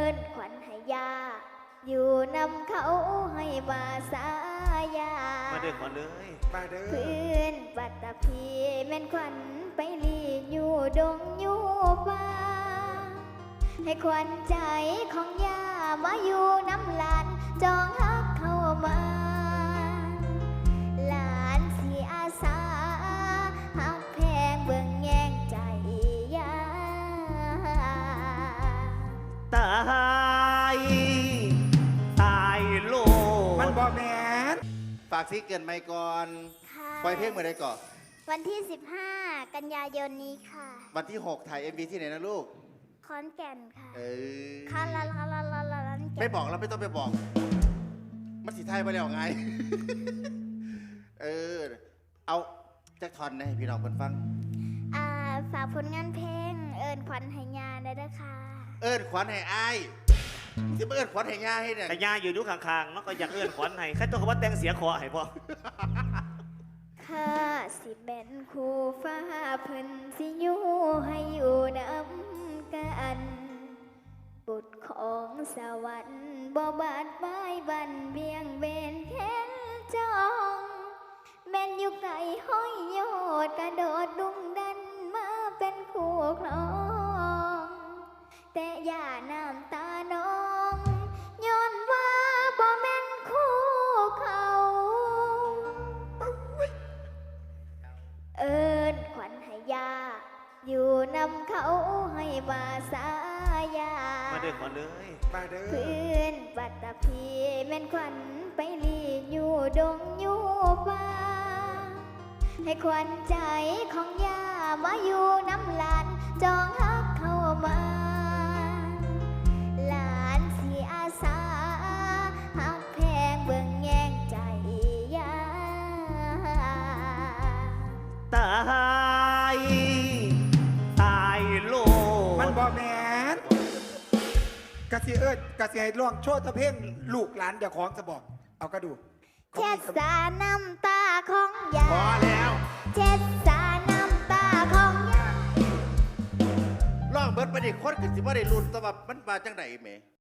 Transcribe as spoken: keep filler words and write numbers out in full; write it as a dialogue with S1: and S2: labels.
S1: นขวัญให้ยาอยู่นำเขาให้มาสายา
S2: มาเด้อขวัญเลย
S3: มาเด้อ
S1: พื้นปัตตภีแม่นขวัญไปลีอยู่ดงอยู่ป่าให้ขวัญใจของยามาอยู่น้ำลานจองฮักเข้ามาหลานสีอาสาฮักแพงเบิ่งแย่งใจยา
S2: ตายตายโล
S3: มันบอแมน
S4: ฝากซิเกินไมก่อน
S1: ค่ะ
S4: ปล่อยเพลงเมื่อไรก่อน
S1: วันที่สิบห้ากันยายนนี้ค่ะ
S4: วันที่หกถ่าย เอ็ม วี ที่ไหนนะลูก
S1: ขอนแก่นค่ะ
S4: เออ
S1: ค่ะลาลาลาลาลาลา
S4: ไม่บอกแล้วไม่ต้องไปบอกมันสีไทยไปแล้วไง เออเอาแจ็คทอนให้พี่น้องเพิ่นฟัง
S1: อ่าฝากผลงานเพลงเอิญขวัญไหยาได้ด้วยค่ะ
S4: เอิญขวัญให้อายที่มาเอิญขวัญให้ยาให้เนี่ย
S2: แต่ยาอยู่ดูข้างๆมันก็อยากเอื้อนขวัญให้แค่ตัวคำว่าแต่งเสียคอให้พ่อ
S1: ข้าสิเป็นคู่ฟ้าเพิ่นสิอยู่ให้อยู่นำกันบุตรของสวรรค์บ่บาดบายบันเบียงเบนแค้นจองแม่นอยู่ไกลห้อยโยดกระโดดดุงดันมาเป็นคู่ครองแต่อย่าน้ำตาน้องย้อนว่าบ่แม่นคู่เขาเอิญขวัญให้ยาอยู่นำเขาให้มาสายา
S2: มาเด้อขวัญเลย
S3: มาเด้อ
S1: พื้นปัตตภีแม่นขวัญไปลีอยู่ดงอยู่ป่าให้ขวัญใจของยามาอยู่น้ำลานจองฮักเข้ามาหลานสีอาสาฮักแพงเบิ่งแย่งใจยา
S2: ตายตายโล
S3: มันบอแมนกะสิเอิญกะสิให้ร้องโชว์ตะเพ่งลูกหลานเดี๋ยวของจะบอกเอากระดู
S1: เช็ดสาน้ำตาของยา
S4: พอแล้ว
S1: เช็ดสาน้ำตาของยา
S4: ร้องเบิดไปดิคนคือสิบ่ได้ลุ้นแต่ว่ามันมาจังได๋แหม